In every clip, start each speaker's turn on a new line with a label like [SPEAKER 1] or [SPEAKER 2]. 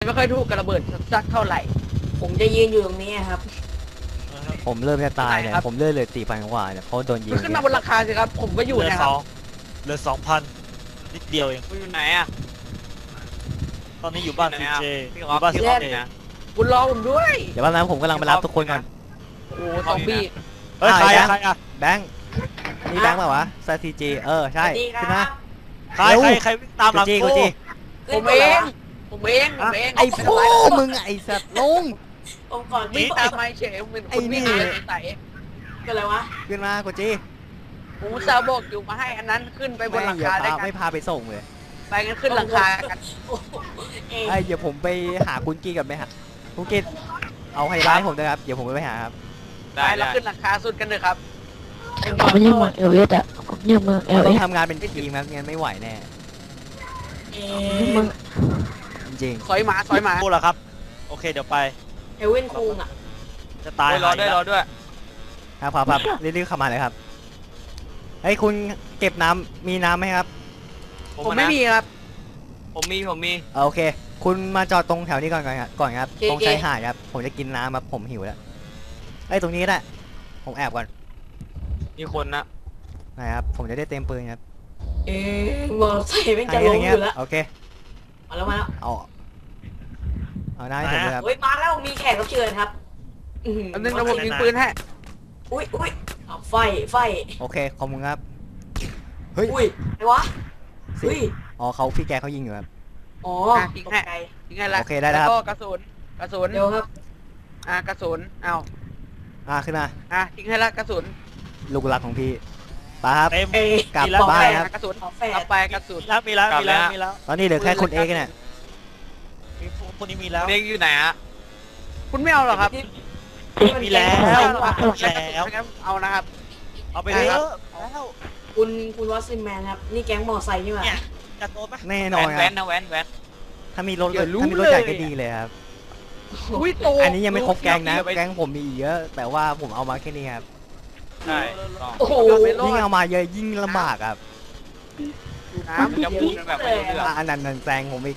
[SPEAKER 1] ไม่ค่อยถูกกระเบิดสักเท่าไหร่
[SPEAKER 2] ผมจะยืนอยู่ตรงนี้ครับ
[SPEAKER 3] ผมเริ่มจะตายเนี่ยผมเลื่อนเลย4,000 กว่าเนี่ยเพราะโดนยิง
[SPEAKER 1] ขึ้นมาบนราคาสิครับผมก็อยู่
[SPEAKER 4] เหลือ
[SPEAKER 1] นะครับ
[SPEAKER 4] เหลือ2,000นิดเดียวเอง
[SPEAKER 5] คุณอยู่ไหนอ่ะ
[SPEAKER 4] ตอนนี้อยู่บ้านซีเจ
[SPEAKER 5] พี่
[SPEAKER 4] อ
[SPEAKER 5] ออฟ
[SPEAKER 4] ยู่บ้านซี
[SPEAKER 5] พี่ออฟ
[SPEAKER 4] เจ
[SPEAKER 5] นะ
[SPEAKER 1] คุณรอผมด้วย
[SPEAKER 3] เดี๋ยวแป๊บนึงผมกำลังไปรับทุกคนก่อน
[SPEAKER 1] โอ้ซอมบี้
[SPEAKER 4] เฮ้ยใครอะใครอะ
[SPEAKER 3] แบงค์นี่แบงค์เปล่าวะสตีจีใช่
[SPEAKER 2] สวัสดีค
[SPEAKER 3] ขึ้น
[SPEAKER 2] รั
[SPEAKER 3] มา
[SPEAKER 2] บ
[SPEAKER 4] ใครใครวิ่งตามหลัง
[SPEAKER 3] กู
[SPEAKER 4] กู
[SPEAKER 3] จี
[SPEAKER 1] ผมเองผมเองผมเอง
[SPEAKER 3] ไอ้ฟูมึงไอ้สัตว์ลง
[SPEAKER 2] ผมก่อน
[SPEAKER 1] วิ่งตามมาเฉยผมเป็นคนวิ่งเลยใส่
[SPEAKER 2] เป็นอะไรวะ
[SPEAKER 3] ขึ้นมากูจี
[SPEAKER 1] ผมซาบอกอยู่มาให้อันนั้นขึ้นไปบนหลังคาได้กัน
[SPEAKER 3] ไม่พาไปส่งเลย
[SPEAKER 1] ไปกันขึ้นหลังคากัน
[SPEAKER 2] โอ้โหเอง
[SPEAKER 3] ไอ้เดี๋ยวผมไปหาคุณกี้กับไหมฮะคุณกี้เอาให้ร้านผมนะครับเดี๋ยวผมไปหาครับ
[SPEAKER 1] ไปเราขึ้นหลังคาสุดกันเลยครับ
[SPEAKER 6] ผมยังเมืองเอลเอสอ่ะผมยังเมืองเอล
[SPEAKER 3] เรา
[SPEAKER 6] เอ
[SPEAKER 3] ต้อง
[SPEAKER 6] ส
[SPEAKER 3] ทำงานเป็นทีมครับงั้นไม่ไหวแน่
[SPEAKER 2] เอ
[SPEAKER 6] เมือง
[SPEAKER 3] จริง
[SPEAKER 1] ซอยหมาซอยหมา
[SPEAKER 4] กูเหรอครับโอเคเดี๋ยวไป
[SPEAKER 2] เอเว่นคุงอ่ะ
[SPEAKER 4] จะตาย
[SPEAKER 5] รอด้วยรอด้วย
[SPEAKER 3] ครับรีบๆเข้ามาเลยครับเฮ้ยคุณเก็บน้ำมีน้ำไหมครับ
[SPEAKER 1] ผมไม่มีครับ
[SPEAKER 5] ผมมี
[SPEAKER 3] โอเค คุณมาจอดตรงแถวนี้ก่อนครับตรงชายหาดครับผมจะกินน้ำครับผมหิวแล้วไอ้ตรงนี้ก็ได้ผมแอบก่อน
[SPEAKER 5] มีคนนะ
[SPEAKER 3] นะครับผมจะได้เต็มปืนครับ
[SPEAKER 2] เอมอไซค์แม่งจะล้มอยู่แล้ว
[SPEAKER 3] โอเค
[SPEAKER 2] มาแล้วมาแล้ว
[SPEAKER 3] เอาหน้าให้ผมเลยครับ
[SPEAKER 2] เฮ้ยมาแล้วมีแขกรับเชิญครับอื้อหือ
[SPEAKER 1] อันนึงเราผมยิงปืนให้
[SPEAKER 2] อุ้ยเอาไฟ
[SPEAKER 3] โอเคขอบคุณครับเฮ้ย
[SPEAKER 2] อุ้ยอะไรวะเฮ้ย
[SPEAKER 3] อ๋อเขาพี่แกเขายิงอยู่ครับ
[SPEAKER 2] อ๋อตกใจ
[SPEAKER 1] ยิงไงล่ะ
[SPEAKER 3] โอเคได้แล้วครับ
[SPEAKER 1] ก็กระสุน
[SPEAKER 2] เดี๋ยวครับ
[SPEAKER 1] กระสุนเอา
[SPEAKER 3] ขึ้นมา
[SPEAKER 1] ทิ้งให้ละกระสุน
[SPEAKER 3] ลูกรักของพี่ไปครับ
[SPEAKER 4] เต็ม
[SPEAKER 2] เอก
[SPEAKER 3] ลับ
[SPEAKER 4] มีแล้ว
[SPEAKER 3] บ้าน
[SPEAKER 4] มี
[SPEAKER 3] ครับ
[SPEAKER 1] กระสุน
[SPEAKER 2] ขอแฝ
[SPEAKER 1] เอา
[SPEAKER 2] ด
[SPEAKER 1] ไปกระสุน
[SPEAKER 4] แล้วมีแล้วมีแล้ว
[SPEAKER 3] ตอนนี้เหลือแค่คุณเอกเนี่ย
[SPEAKER 4] มีคนนี้มีแล้ว
[SPEAKER 5] เด็กอยู่ไหนฮะ
[SPEAKER 1] คุณไม่เอาหรอครับ
[SPEAKER 4] มีแล้ว
[SPEAKER 1] ไม่
[SPEAKER 4] แล้ว
[SPEAKER 1] เอาหรอครับงั้นเอานะครับ
[SPEAKER 4] เอาไปเถอะแล้ว
[SPEAKER 2] คุณวอสซินแมนครับนี่แก๊งมอไซค์นี่หว่า
[SPEAKER 4] เนี่ยจะโดนไหม
[SPEAKER 3] แน่นอนค
[SPEAKER 5] แว้
[SPEAKER 3] รับ
[SPEAKER 5] นนะแว้น
[SPEAKER 3] ถ้ามีรถ
[SPEAKER 1] อย่ารู้
[SPEAKER 3] ถ้ามีรถใหญ่ก็ดีเลยครับ
[SPEAKER 1] อุ้ยโต
[SPEAKER 3] อันนี้ยังไม่ครบแกงนะแกงผมมีอีกเยอะ แต่ว่าผมเอามาแค่นี้ครับ
[SPEAKER 5] ใช่
[SPEAKER 2] โอ้โห
[SPEAKER 3] ยิ่งเอามาเยอะยิ่งลำบากครับ
[SPEAKER 1] น้ำ
[SPEAKER 5] จะพูดแบบไม่รู้เรื่อง
[SPEAKER 3] อันนั้นแซงผมอีก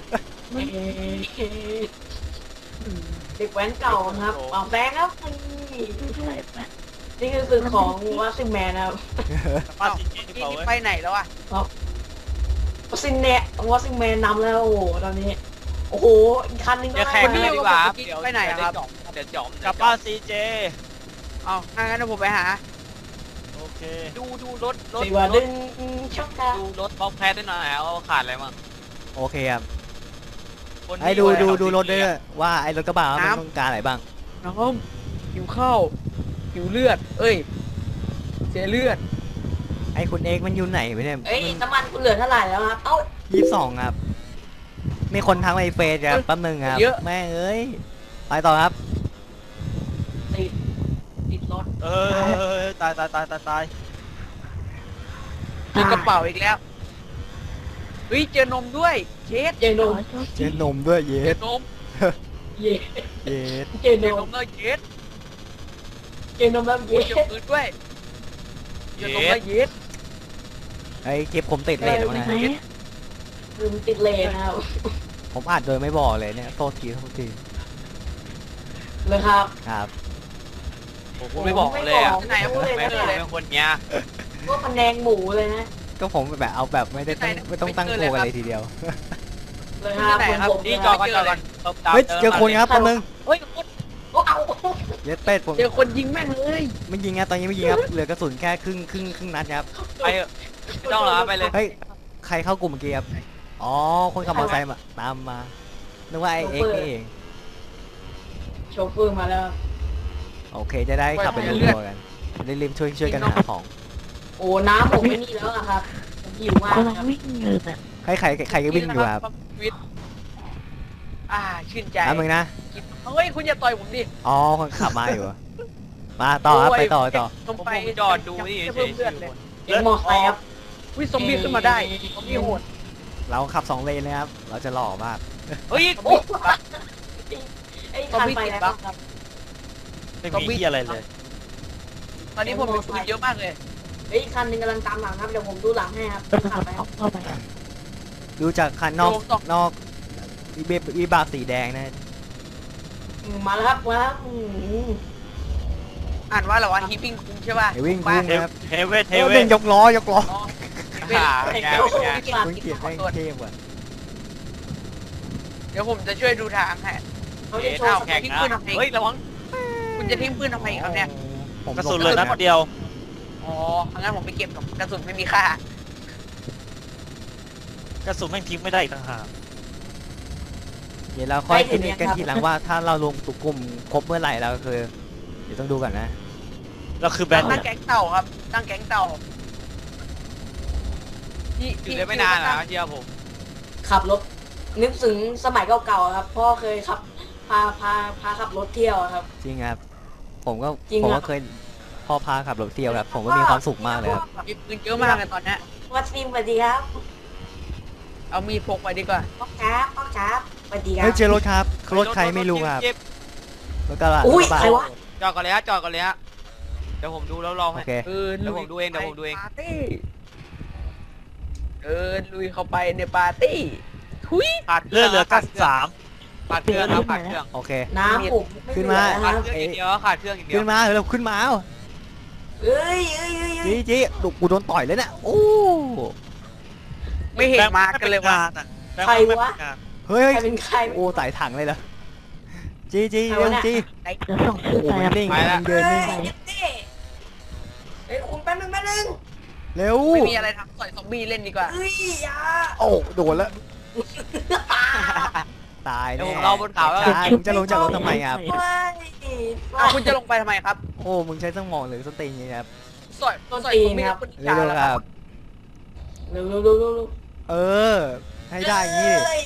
[SPEAKER 2] เด็กแว้นเก่าครับเอาแบงค์ครับนี่คือสึกของวอสซินแมนนะครับ
[SPEAKER 4] บ้านซีเจหรือ
[SPEAKER 1] นี่
[SPEAKER 4] เปล่า
[SPEAKER 1] นี่
[SPEAKER 4] เว้ย
[SPEAKER 1] ไปไหนแล้วอะ
[SPEAKER 2] วอสซินเนตวอสซินแมนนำแล้วโอ้โหตอนนี้โอ้โหอีกคันนึงก็
[SPEAKER 5] จะ
[SPEAKER 2] ได้
[SPEAKER 5] แข่ง
[SPEAKER 2] มา
[SPEAKER 5] กัน
[SPEAKER 2] แล้ว
[SPEAKER 5] ดีกว่าเดี๋ยวจอม
[SPEAKER 4] กลับบ้านซีเจ
[SPEAKER 1] เอางั้นผมไปหา
[SPEAKER 4] โอเค
[SPEAKER 5] ดูรถ
[SPEAKER 2] สีว่าดึงช็อกค่ะ
[SPEAKER 5] ดูรถบล็อกแพทได้หน่อยเอาขาดอะไรมั่ง
[SPEAKER 3] โอเคครับไอ้ดูรถด้วยว่าไอ้รถกระบะมันต้องการอะไรบ้าง
[SPEAKER 1] น้องหิวข้าวหิวเลือด เอ้ย เสียเลือด
[SPEAKER 3] ไอ้คุณเอกมันอยู่ไหนไปเนี่ย
[SPEAKER 2] เอ้ยน้ำมันคุณเหลือเท่าไหร่แล้วครับเอ้า
[SPEAKER 3] 22ครับมีคนทักในเฟซครับแป๊บนึงครับแม่เอ้ยไปต่อครับ
[SPEAKER 2] ติดรถ
[SPEAKER 4] ตาย
[SPEAKER 1] มีกระเป๋าอีกแล้วเฮ้ยเจอนมด้วยเชด
[SPEAKER 2] เจนม
[SPEAKER 3] เจนนมด้วยเย
[SPEAKER 1] เจ
[SPEAKER 3] ส
[SPEAKER 1] อนม
[SPEAKER 2] เย่
[SPEAKER 3] เยส
[SPEAKER 2] เจ
[SPEAKER 1] เจ
[SPEAKER 2] น
[SPEAKER 1] อน
[SPEAKER 2] ม
[SPEAKER 1] มด้วยเชด
[SPEAKER 2] เจนมแล้ว
[SPEAKER 1] เจ
[SPEAKER 2] เย่
[SPEAKER 1] อปืนด้วยเจอนมด้วยเยส
[SPEAKER 3] ไอ้เก็บผมติดเลทมา
[SPEAKER 6] ไหน
[SPEAKER 2] ลืมติดเลนนะครับ
[SPEAKER 3] ผมอัดโดยไม่บอกเลยเนี่ยโทษที
[SPEAKER 2] เลยครับ
[SPEAKER 3] ครับ
[SPEAKER 5] ผมไม่บอกเลยอ่ะ
[SPEAKER 1] ไหนอะพูดเลย
[SPEAKER 5] ไม่
[SPEAKER 1] เจอเลย
[SPEAKER 5] เป็นคนเงี้ย
[SPEAKER 2] พวกพะแนงหมูเลยนะ
[SPEAKER 3] ก็ผมแบบเอาแบบไม่ต้องตั้งตัวกันเลยทีเดียว
[SPEAKER 2] เลยครับผม
[SPEAKER 5] นี่จอกันจอกัน
[SPEAKER 3] เฮ้ยเจอคนครับแป๊บนึง
[SPEAKER 1] เฮ้ย
[SPEAKER 2] โอ้เอา
[SPEAKER 3] เยสเป็ดผม
[SPEAKER 1] เจอคนยิงแม่งเลย
[SPEAKER 3] ไม่ยิงครับตอนนี้ไม่ยิงครับเหลือกระสุนแค่ครึ่งนัดครับ
[SPEAKER 5] ไปไม่ต้องหรอไปเลย
[SPEAKER 3] เฮ้ยใครเข้ากลุ่มเมื่อกี้ครับอ๋อคนขับมอเตอร์ไซค์มาตามมานึกว่าไอ้เอ็กซ์นี่เอง
[SPEAKER 2] โชเฟอร์มาแล้ว
[SPEAKER 3] โอเคจะได้ขับไปเรื่อยๆกันได้รีบช่วยกันหาของ
[SPEAKER 2] โอ้น้ำผมไม่นี่แล้วครับผมหิวมาก
[SPEAKER 6] กำลัง
[SPEAKER 2] ครับ
[SPEAKER 6] วิ่งอยู่น่ะ
[SPEAKER 3] ใครก็วิ่งอยู่ครับ
[SPEAKER 1] วิทชื่นใจ
[SPEAKER 3] น้ำมึงนะ
[SPEAKER 1] เฮ้ยคุณอย่าต่อยผมดิ
[SPEAKER 3] อ๋อคนขับมาอยู่มาต่อครับไปต่อ
[SPEAKER 1] ผมไป
[SPEAKER 5] จอดดูนี่เฉ
[SPEAKER 1] เพิ่ม
[SPEAKER 5] ย
[SPEAKER 1] เลือดเลย
[SPEAKER 2] เอ็มมอไซค์ครับ
[SPEAKER 1] วิซอมบี้ขึ้นมาได้ซอมบี้โหด
[SPEAKER 3] เราขับ2เลนเลยครับเราจะหล่อมาก
[SPEAKER 5] เฮ้ย
[SPEAKER 2] โอ้ไอ้คันไปแล้วครับ
[SPEAKER 4] ไม่มีที่อะไรเลย
[SPEAKER 1] ตอนนี้ผมมีปืนเยอะมากเลย
[SPEAKER 2] เฮ้ยคันหนึงกำลังตามหลังครับเดี๋ยวผมดูหลังให้ครับ
[SPEAKER 6] กำลัง
[SPEAKER 2] ขับไปค
[SPEAKER 6] เอา
[SPEAKER 2] รับ
[SPEAKER 6] เข้าไป
[SPEAKER 3] ดูจากคันนอกวิบากสีแดงนะ
[SPEAKER 2] มาแล้วครับมาแล้ว
[SPEAKER 1] อ่านว่าเราว่าฮีปิ้งคุ้งใช่ป่ะ
[SPEAKER 3] เดี๋ยววิ่ง
[SPEAKER 1] บ้า
[SPEAKER 3] พุ่งครับ
[SPEAKER 4] เฮเวทเฮ
[SPEAKER 3] เออ
[SPEAKER 4] เว
[SPEAKER 3] เป็
[SPEAKER 4] ท
[SPEAKER 3] นยกล้อยกล้อ
[SPEAKER 1] อ๋อ
[SPEAKER 5] เป็นไงเป็นไง
[SPEAKER 3] คุณเกียรติแม่งเทพว่ะ
[SPEAKER 1] เดี๋ยวผมจะช่วยดูทางให้
[SPEAKER 2] เขาจะโชว์
[SPEAKER 5] แข่งนะเฮ้ยระวัง
[SPEAKER 1] คุณจะทิ้งปืนทำไมครับเนี่ย
[SPEAKER 3] ผม
[SPEAKER 4] กระสุนเลยนัดเดียว
[SPEAKER 1] อ๋องั้นผมไปเก็บกระสุนไม่มีค่าก
[SPEAKER 4] ระสุนแม่งทิ้งไม่ได้อีกต่างหาก
[SPEAKER 3] เดี๋ยวเราค่อยคิดกันทีหลังว่าถ้าเราลงตุกกลุ่มครบเมื่อไหร่เราคือเดี๋ยวต้องดูก่อนนะ
[SPEAKER 4] เราคือแบน
[SPEAKER 1] ตั้งแก๊งเต่าครับ ตั้งแก๊งเต่า
[SPEAKER 5] อยู่ได้ไม่นานนะเชื่อผม
[SPEAKER 2] ขับรถนึกถึงสมัยเก่าๆครับพ่อเคยขับพาขับรถเที่ยวครับ
[SPEAKER 3] จริงครับ ผมก็
[SPEAKER 2] จริง
[SPEAKER 3] ผม
[SPEAKER 2] อะ
[SPEAKER 3] ก็เคยพ่อพาขับรถเที่ยวครับ ผมก็มีความสุขมากเลยครับ
[SPEAKER 1] มีปืนเยอะมากเลยตอนเนี้ย
[SPEAKER 2] วัดฟิล์มสวัสดีครับ
[SPEAKER 1] เอามีดพกไปดีกว่า
[SPEAKER 2] พ่อครับพ่อครับสวัสดีครั
[SPEAKER 3] เฮ้
[SPEAKER 2] บ
[SPEAKER 3] ยเจอรถครับรถใครไม่รู้ครับ
[SPEAKER 5] เจ็บ
[SPEAKER 3] รถกระบะ
[SPEAKER 2] อุ้ย
[SPEAKER 3] รถกระบะ
[SPEAKER 2] ใครวะ
[SPEAKER 5] จอดก่อนเลยฮะจอดก่อนเลยฮะเดี๋ยวผมดูแล้วรอ
[SPEAKER 3] โอ
[SPEAKER 5] ให้
[SPEAKER 3] เค
[SPEAKER 5] เดี๋ยวผมดูเองเดี๋ยวผมดูเอง
[SPEAKER 1] ปาร์ตี้ลุยเข้าไปในปาร์ตี้ทุย
[SPEAKER 5] ขาด
[SPEAKER 4] เลือดเหลือ
[SPEAKER 5] ขาด
[SPEAKER 4] 93
[SPEAKER 5] ขาดเครื่องครับขาดเครื่อง
[SPEAKER 3] โอเค
[SPEAKER 2] น้ำผมไม่
[SPEAKER 3] ขึ้น
[SPEAKER 2] เหลื
[SPEAKER 3] มา
[SPEAKER 2] อนะค
[SPEAKER 5] ขา
[SPEAKER 2] รั
[SPEAKER 5] ด
[SPEAKER 2] บ
[SPEAKER 5] เครื่องอย่างเดียวขาดเครื่องอย่างเดีย
[SPEAKER 3] ขึ้
[SPEAKER 5] วน
[SPEAKER 3] มาเราขึ้นมาเอา
[SPEAKER 2] เอ้ยเอ้ยเอ้ยเอ้ย
[SPEAKER 3] จีดุกูโดนต่อยเลยเนี่ยโอ้
[SPEAKER 1] ไม่เห็นมากันเลยว่ะ
[SPEAKER 4] แบงค์ไม่เป็นงาน
[SPEAKER 3] เฮ้ย
[SPEAKER 2] ใครเป็นใคร
[SPEAKER 3] โอ้ไต่ถังเลยเหรอจี
[SPEAKER 2] ใคร
[SPEAKER 3] เร็ว
[SPEAKER 2] วะเนี่ย
[SPEAKER 3] จี
[SPEAKER 6] เดี๋ยวส่ง
[SPEAKER 3] โอ้
[SPEAKER 6] ชื่อ
[SPEAKER 3] โห
[SPEAKER 6] ไป
[SPEAKER 3] มัน
[SPEAKER 6] ครับ
[SPEAKER 3] นิ่งมันเดินนิ่ง
[SPEAKER 2] เอ้ยคุณแป๊บนึง
[SPEAKER 3] เร็ว
[SPEAKER 1] ไม่มีอะไรทำต่อยซอมบี้เล่นดีกว่า
[SPEAKER 2] เอ้ยอย่า
[SPEAKER 3] โอ้โดนแล้วตาย
[SPEAKER 5] เดี๋ยว
[SPEAKER 3] แน่
[SPEAKER 5] ผมรอบนเขาแล้ว
[SPEAKER 3] ใช่มึงจะลงจากรถทำไมครับ
[SPEAKER 2] เฮ้ย
[SPEAKER 1] อ้าวคุณจะลงไปทำไมครับ
[SPEAKER 3] โอ้มึงใช้สมองหรือสติงครับ
[SPEAKER 1] สอยซอมบี้กับคน
[SPEAKER 3] เร็ว
[SPEAKER 1] แล้ว
[SPEAKER 3] ๆครับ
[SPEAKER 2] เร็วเร็วเร็วเร็วเร็ว
[SPEAKER 3] เออ ให้ได้อย่างนี้ดิ
[SPEAKER 2] เอ้ย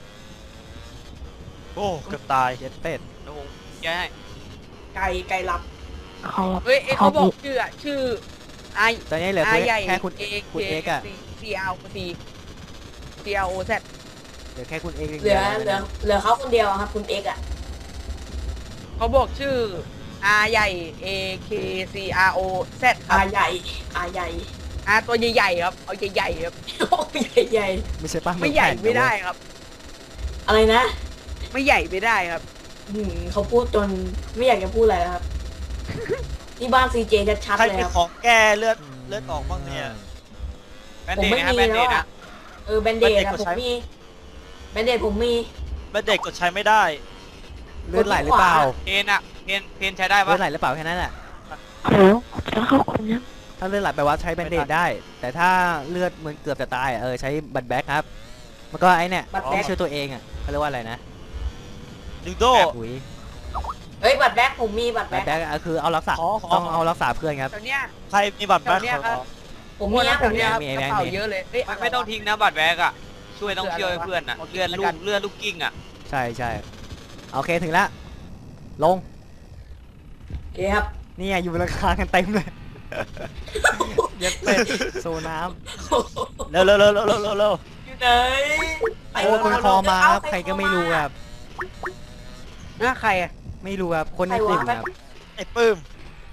[SPEAKER 4] โอ้เกือบตาย
[SPEAKER 3] เจ็ดเป็ด
[SPEAKER 5] เดี๋ยวผมแก้ให้
[SPEAKER 2] ไก่หลับ
[SPEAKER 6] เขา
[SPEAKER 1] เฮ้ยเขาบอกชื่อชื่อไอ
[SPEAKER 3] ตอนนี้เหลือ
[SPEAKER 1] ใหญ่
[SPEAKER 3] แค่คุณ
[SPEAKER 1] เอ
[SPEAKER 3] คุณเอกอะ
[SPEAKER 1] ซีอาร์ซีซีอาร์โอแซด
[SPEAKER 3] เหลือแค่คุณเอก
[SPEAKER 2] เหลือเขาคนเดียวอะครับคุณเอ็กซ์อะ
[SPEAKER 1] เขาบอกชื่อ R ใหญ่ A K C R O Z ครั
[SPEAKER 2] อา
[SPEAKER 1] บ
[SPEAKER 2] ใหญ่อาใหญ่
[SPEAKER 1] R ตัวใหญ่ๆครับ เอาใหญ่ๆครับ
[SPEAKER 2] โอ้ใหญ่ใหญ่
[SPEAKER 3] ไม่ใช่ป้า
[SPEAKER 1] ไม่ใหญ่ไม่ได้ครับ
[SPEAKER 2] อะไรนะ
[SPEAKER 1] ไม่ใหญ่ไม่ได้ครับ
[SPEAKER 2] เขาพูดจนไม่อยากจะพูดอะไรแล้วครับ ที่บ้านซีเจชัด
[SPEAKER 4] ใคร
[SPEAKER 2] ๆเลย
[SPEAKER 4] มี
[SPEAKER 2] ครับ
[SPEAKER 4] ของแก้เลือดออกบ้างเนี่ย
[SPEAKER 5] แบนเดดนะฮะแบนเดดนะ
[SPEAKER 2] แบนเดด
[SPEAKER 4] Band-Aid
[SPEAKER 2] อะ
[SPEAKER 4] กด
[SPEAKER 2] ผม
[SPEAKER 4] ใช้
[SPEAKER 2] มีแบนเดดผมมี
[SPEAKER 4] แบนเด็กกดใช้ไม่ได้
[SPEAKER 3] เลือดไหลหรือเปล่า
[SPEAKER 5] เพนอะเพนใช้ได้
[SPEAKER 3] เลื
[SPEAKER 5] ปะ
[SPEAKER 3] อดไหลหรือเปล่าแค่นั้นแหละ
[SPEAKER 6] เดี๋ยวจะเข้าคุณยัง
[SPEAKER 3] ถ้าเลือดไหลไปว่าใช้แบนเดดได้ แต่ถ้าเลือดเหมือนเกือบจะตายใช้บัตรแบ็คครับมันก็ไอ้เนี่ยที่ช่วยตัวเองอ่ะเขาเรียกว่าอะไรนะ
[SPEAKER 4] ดิวโด
[SPEAKER 3] อุ้ย
[SPEAKER 2] เฮ้ยบัตรแบ็คผมมีบัตร
[SPEAKER 3] บัต
[SPEAKER 2] แบ็
[SPEAKER 3] ร
[SPEAKER 2] ค
[SPEAKER 3] แบ็คคือเอารักษา
[SPEAKER 4] ขอ
[SPEAKER 3] ต้องเอารักษาเพื่อนครับ
[SPEAKER 1] แถวเนี้ย
[SPEAKER 4] ใครมีบัตรแบ็ค
[SPEAKER 1] แถวเนี้ย
[SPEAKER 4] ข
[SPEAKER 1] ครั
[SPEAKER 4] อบ
[SPEAKER 2] ผมมีนะ
[SPEAKER 1] แถวเนี้ยครับ
[SPEAKER 3] มี
[SPEAKER 1] กระเป๋าเยอะเลยเอ้ย
[SPEAKER 5] ไม่ต้องทิ้งนะบัตรแบกอะช่วยต้องช่วยเพื่อนอะเลื่อนลูกกิ้งอะ
[SPEAKER 3] ใช่ใช่โอเคถึงแล้วลง
[SPEAKER 2] โอเคครับ
[SPEAKER 3] นี่ไงอยู่บนราคากันเต็มเลยเย็ดเป็ดโซน้
[SPEAKER 4] เร็วเร็วเร็วเร็วเร็วเร็ว
[SPEAKER 2] อยู่ไหน
[SPEAKER 3] ำโอ้คนคอมาครับใครก็ไม่รู้ครับ
[SPEAKER 1] หน้าใครอะ
[SPEAKER 3] ไม่รู้ครับคนในกลุ่มครับ
[SPEAKER 4] ไอ้ปื้ม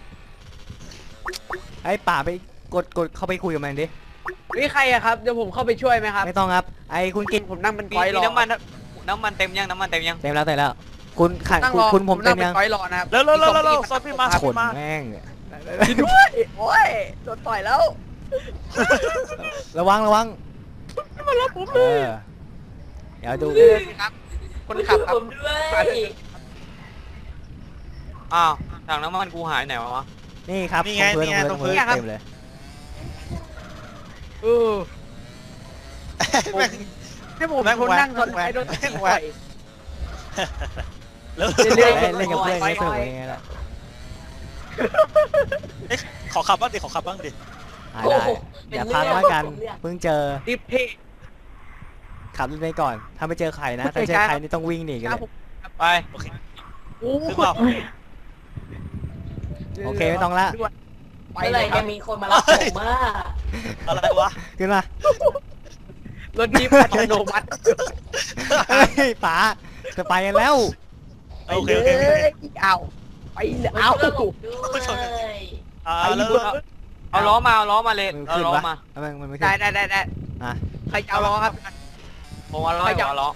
[SPEAKER 3] ไอ้ป่าไปกดเข้าไปคุยกับมันดิ
[SPEAKER 1] นี่ใครอะครับ เดี๋ยวผมเข้าไปช่วยไหมครับ
[SPEAKER 3] ไม่ต้องครับไอ้คุณกิน
[SPEAKER 1] ผมนั่งเป็น
[SPEAKER 5] มี
[SPEAKER 1] ก้อยรอ
[SPEAKER 5] น้ำมันเต็มยังน้ำมันเต็มยัง
[SPEAKER 3] เต็มแล้วคุณขัน
[SPEAKER 1] นั่งรอ
[SPEAKER 3] คุณผมเต็
[SPEAKER 1] นั่
[SPEAKER 3] ม
[SPEAKER 1] งเป็
[SPEAKER 3] ยัง
[SPEAKER 1] นก้อยรอนะครับ
[SPEAKER 4] เร็วเร็วเร็วเร็วเร็วซอมบี้มา
[SPEAKER 3] ขนแม่ง
[SPEAKER 1] ด้วยโอ้ยโดนต่อยแล้ว
[SPEAKER 3] ระวัง
[SPEAKER 1] มารับผม
[SPEAKER 3] เอ
[SPEAKER 1] เลย
[SPEAKER 3] อเดี๋ยวดู
[SPEAKER 1] ครับ คนขับครั
[SPEAKER 2] ผ
[SPEAKER 1] บ
[SPEAKER 2] มด้วย
[SPEAKER 5] อ้าวถังน้ำมันกูหายไหนวะ
[SPEAKER 3] นี่ครับตรงพื้นเต็มเลย
[SPEAKER 1] เออ
[SPEAKER 4] แม่ง
[SPEAKER 1] ให้ผม
[SPEAKER 4] แม่ง
[SPEAKER 1] คนนั่ง
[SPEAKER 4] แหวก
[SPEAKER 1] คนไอ้โดน
[SPEAKER 4] แม่ง
[SPEAKER 1] ต่
[SPEAKER 4] แหว
[SPEAKER 1] อก ย
[SPEAKER 4] เร็ว
[SPEAKER 1] เรื่อย
[SPEAKER 3] เล่นกับเพื่อนไม่สนุกยังไงล่ะ
[SPEAKER 4] ขอขับบ้างดิขอขับบ้างดิ
[SPEAKER 3] ได้อย่าพังแล้วกันเพิ่งเจอ
[SPEAKER 1] ดิฟเท่
[SPEAKER 3] ขับรถไปก่อนถ้าไม่เจอใครนะถ้าเจอใครนี่ต้องวิ่งหนีกัน
[SPEAKER 1] ค
[SPEAKER 3] เล
[SPEAKER 1] รับ
[SPEAKER 3] ย
[SPEAKER 1] ผม
[SPEAKER 5] ไป
[SPEAKER 4] โอเค
[SPEAKER 1] โอ้
[SPEAKER 4] ขึ้นเปล่า
[SPEAKER 3] โอเคไม่ต้องละ
[SPEAKER 1] ไป
[SPEAKER 2] เมื่อ
[SPEAKER 1] เล
[SPEAKER 2] ไหร่
[SPEAKER 1] ยครั
[SPEAKER 2] จะ
[SPEAKER 1] บ
[SPEAKER 2] มีคนมารับผมอ่ะ
[SPEAKER 4] อะไรวะ
[SPEAKER 3] ขึ้นมาร
[SPEAKER 1] ถดิฟอัตโนมัติ
[SPEAKER 3] เฮ้ยป๋าจะไปกันแล้ว
[SPEAKER 4] โอเคโอเคโอเค
[SPEAKER 1] เอาไปเลยเอา
[SPEAKER 2] ด้วย
[SPEAKER 4] แล้ว
[SPEAKER 5] เอาล้อมาเลย
[SPEAKER 3] มัน
[SPEAKER 5] เอา
[SPEAKER 3] ขึ้น
[SPEAKER 5] ล้อ
[SPEAKER 3] ปะ
[SPEAKER 5] มา
[SPEAKER 3] มันไม่ขึ้
[SPEAKER 1] ได้
[SPEAKER 3] น
[SPEAKER 1] ได้
[SPEAKER 3] อ่ะ
[SPEAKER 1] ใครจะเอาล้อครับ
[SPEAKER 5] ผมเอาล้อ
[SPEAKER 1] ใครจะ
[SPEAKER 5] เอาล้อ
[SPEAKER 3] ผ